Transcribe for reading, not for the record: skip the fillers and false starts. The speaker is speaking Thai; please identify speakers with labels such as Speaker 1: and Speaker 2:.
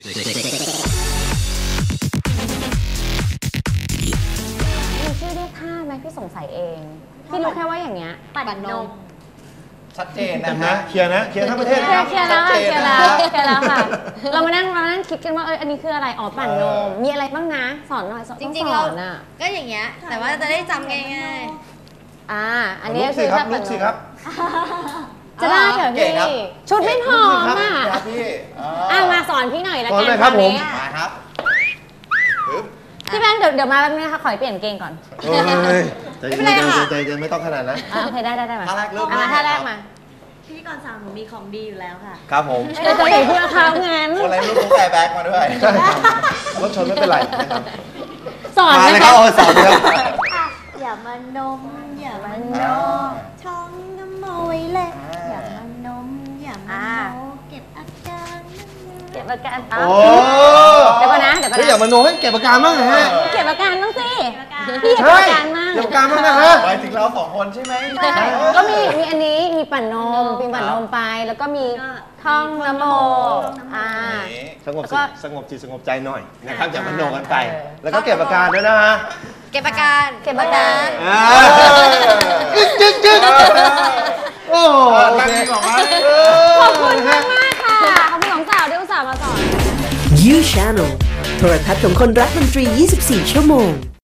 Speaker 1: ชื่อเรียกท่าไหมพี่สงสัยเองพี่รู้แค่ว่าอย่างเงี้ยปั่นนม
Speaker 2: ชัดเจนนะ
Speaker 3: เคลียร์ทั้งประเทศ
Speaker 1: เคลียร์แล้วค่ะเรามานั่งคิดกันว่าอันนี้คืออะไรอ๋อปั่นนมมีอะไรบ้างนะสอนหน่อย
Speaker 4: จริงๆเราก็อย่างเงี้ยแต่ว่าจะได้จำง่าย
Speaker 1: ๆอันนี้คือถ้าปั่นนมจะได้เหรอพี่ชุดไม่พออ่ะมาสอนพี่หน่อยละกัน
Speaker 3: ครับผม
Speaker 2: มาครับ
Speaker 1: พี่แบงค์เดี๋ยวมาแป๊บนึงนะคะขอเปลี่ยนเกงก่อน
Speaker 3: ใจเย็นไม่ต้องขนาดนั้น
Speaker 1: โอเคได้มา
Speaker 2: ท่าแรกเริ่ม
Speaker 1: ท่าแรกมา
Speaker 4: พี่ก่อนสั่งหนูมีของดีอยู่แล้วค่ะ
Speaker 2: ครับผม
Speaker 1: จะเห็นเพื่อนเขางั้น
Speaker 2: คนอะไรไม่รู้แกแบ็กมาด้วย
Speaker 3: รถชนไม่เป็นไรนะครับ
Speaker 1: สอน
Speaker 3: เลยครับสอนเลย
Speaker 4: อย่ามานมอย่ามานมท้องน้ำโมไว้เลยอย่ามานมอย่ามานมเก็บอาการ
Speaker 1: เก็บอาการ
Speaker 3: โอ้
Speaker 1: เดี๋ยวก่อนนะ
Speaker 3: อย่ามาโน้ให้เก็บอาการบ้างนะฮะ
Speaker 1: เก็บอาการบ้างสิพี่เก็บอาการมาก
Speaker 3: เก็บอาการบ้างนะฮะ
Speaker 2: หมายถึงเราสองคนใช่ไหม
Speaker 1: ก็มีอันนี้มีปั่นนมไปแล้วก็มีท่องนโม
Speaker 3: สงบจิตสงบใจหน่อยนะครับอย่ามาโนกันไปแล้วก็เก็บอาการด้วยนะฮะ
Speaker 4: เก็บอาการ
Speaker 3: จึ๊กโอ้
Speaker 1: ขอบคุณมากค่ะขอบคุณสองสาวที่อุตส่าห์มาสอน
Speaker 5: You Channel โทรทัศน์ของคนรักดนตรี 24 ชั่วโมง